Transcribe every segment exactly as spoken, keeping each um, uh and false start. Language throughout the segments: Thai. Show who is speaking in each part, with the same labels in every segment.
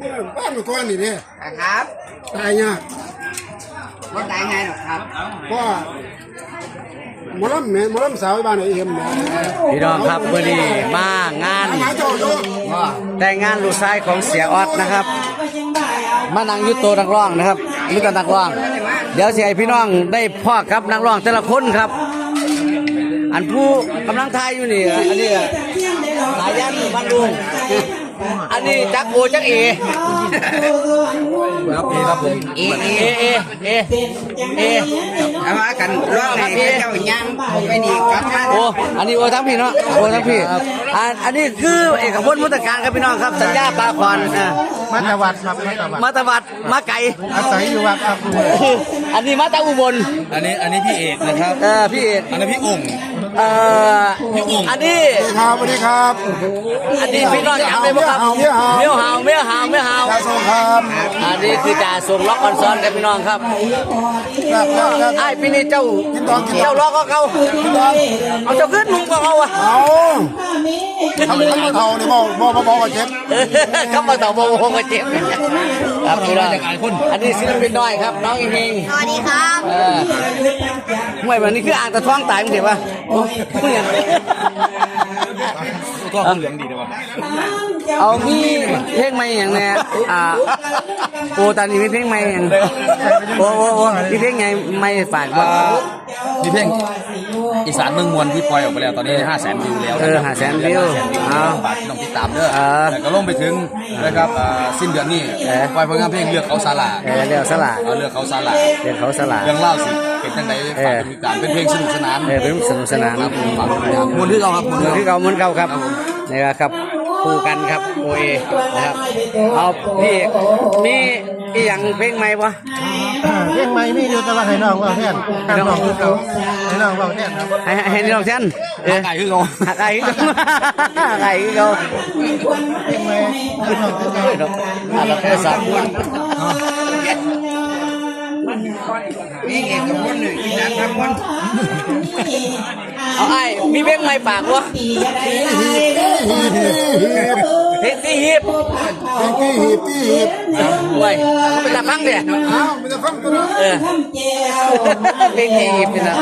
Speaker 1: บ้านก้อนนี่เนี่ย
Speaker 2: ครับ
Speaker 1: ตายยาก
Speaker 2: ไม่ตายไงหรอกครับ
Speaker 1: เพราะหมอลำแม่หมอลำสาวบ้านไอ้เอ็มเนี่ย
Speaker 3: พี่น้องครับเมื่อนี้มางานแต่งงานลูกชายของเสียออดนะครับมานั่งยุโตนักร้องนะครับยุโตนักร้องเดี๋ยวเสียพี่น้องได้พ่อครับนักร้องแต่ละคนครับอันผู้กำลังทายอยู่นี่อันนี้สายันบ้านลุงอันนี้จักโอจักเอครับเอครับผมเอเอเอเอเอ
Speaker 2: เอามากันร้องให้เจ้าย่างไปนี่ครับ
Speaker 3: โอ้อันนี้โอทั้งพี่เนาะโอทั้งพี่อันอันนี้คือเอกพจน์มุตการครับพี่น้องครับสัญญาปลาคอน
Speaker 1: มาตะวัดครับ
Speaker 3: มาตะวัดมาไก่
Speaker 1: อาศัยอยู่วัดครับ
Speaker 3: อันนี้มาตะอุบล
Speaker 4: อันนี้อันนี้พี่เอกนะครับ
Speaker 3: เออพี่เอก
Speaker 4: อันนี้พี่องค์
Speaker 3: เอ่ออันนี้
Speaker 1: ครับสวัสดีครับ
Speaker 3: อันนี้พี่น้องจำได้ไหมครับเมียวหาวเมียวหาวเมียวหาว
Speaker 1: จ่าส่งครับ
Speaker 3: อันนี้คือจ่าส่งล็อกออนซอนครับพี่น้องครับไอ้พี่นี่เจ้าเจ้าล็อกก็เขาเอาเจ้าขึ้นมึงก็เขาอ่ะ
Speaker 1: เอาทำไมเท่านี่บอกบอกบอกก็เจ็บ
Speaker 3: เขามาต่อโมโหก็เจ็บครับพี่น้องอันนี้ศิลปินน้อยครับน้องอิงอิง
Speaker 2: สวัสดีครับ
Speaker 3: เออมวยแบบนี้คืออ่างตะท้องตายมึงเห็นปะโอ้ย
Speaker 4: ตัวเหลืองดีเลยวะ
Speaker 3: เอามีเพลงใหม่อย่างเนี้ยอ่าโอ้ตอนนี้มีเพลงใหม่อย่างโอ้โอ้โอ้มีเพลงไงไม่ฝากว่า
Speaker 4: มีเพลงอีสานเมืองมวลที่ปล่อยออกไปแล้วตอนนี้ห้าแสนวิวแล้ว
Speaker 3: เออห้าแสนวิว
Speaker 4: เอาฝากต้องติดตามเด้อแต่ก็ลงไปถึงนะครับสิ้นเดือนนี้ปล่อยผลงานเพลงเลือกเขาสลา
Speaker 3: เลือกสลา
Speaker 4: เลือกเขาสลา
Speaker 3: เลือกเขาสลา
Speaker 4: เรื่องเล่าสิเป็นตั้งแต่ฝากติดตามเป็นเพลงสนุกสนาน
Speaker 3: เป็นสนุกสนาน
Speaker 4: ครับฝากติดตามมวลที่เราครับ
Speaker 3: มวลที่เรามวลเก่าครับนี่ครับคู่กันครับโอเอนะครับเอาพี่มีอีหยังเพลงใหม่ปะ
Speaker 1: เพลงใหม่มีอยู่แต่ว่าให้น้องว่าแทนให้น้องคือเขาให้น้องว่าแทน
Speaker 3: ให้ให้น้องแทน
Speaker 4: เออไก่คือเขา
Speaker 3: ไก่คือเขาไก่คือเขา
Speaker 1: เพลงใหม่ให้น้องคือเขา
Speaker 3: อะไรก็สัก
Speaker 2: นี่เอกพจน์หนึ่งอีสานทั้งวัน
Speaker 3: เอาไอ้มีเพลงใหม่ฝากวะเพลงที่ฮิป
Speaker 1: เพลงที่ฮิปที่ฮิป
Speaker 3: เว้ยเป็นตาฟังเดี๋ย
Speaker 1: อ้าวเป็นตาฟังตัวนั้น
Speaker 3: เออเพลงที่ฮิปนี่นะ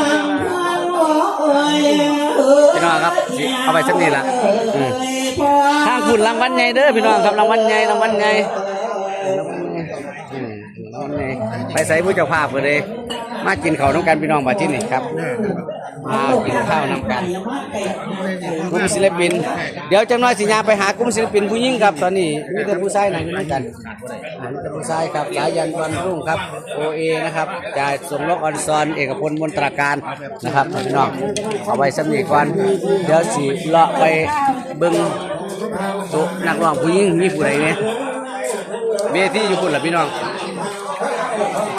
Speaker 3: พี่น้องครับเอาไปสักนิดละทางคุณรางวัลใหญ่เด้อพี่น้องครับรางวัลใหญ่รางวัลใหญ่ไปใส่ผู้เจ้าภาพเลยมากินข้าวน้ำกันพี่น้องมาที่นี่ครับมากินข้าวน้ำกันกลุ่มศิลปินเดี๋ยวจำน้อยสิญาไปหากลุ่มศิลปินผู้หญิงครับตอนนี้มีแต่ผู้ชายนั่งอยู่ด้วยกันมีแต่ผู้ชายครับสายันวันรุ่งครับโอเอนะครับจ่ายส่งล็อกออนซอนเอกพลมนตราการนะครับพี่น้องเอาไว้สำนีก่อนเดี๋ยวสิเลาะไปเบิ้งสุนักร้องผู้หญิงมีผู้ใดเนี่ยเวทีอยู่คนละพี่น้อง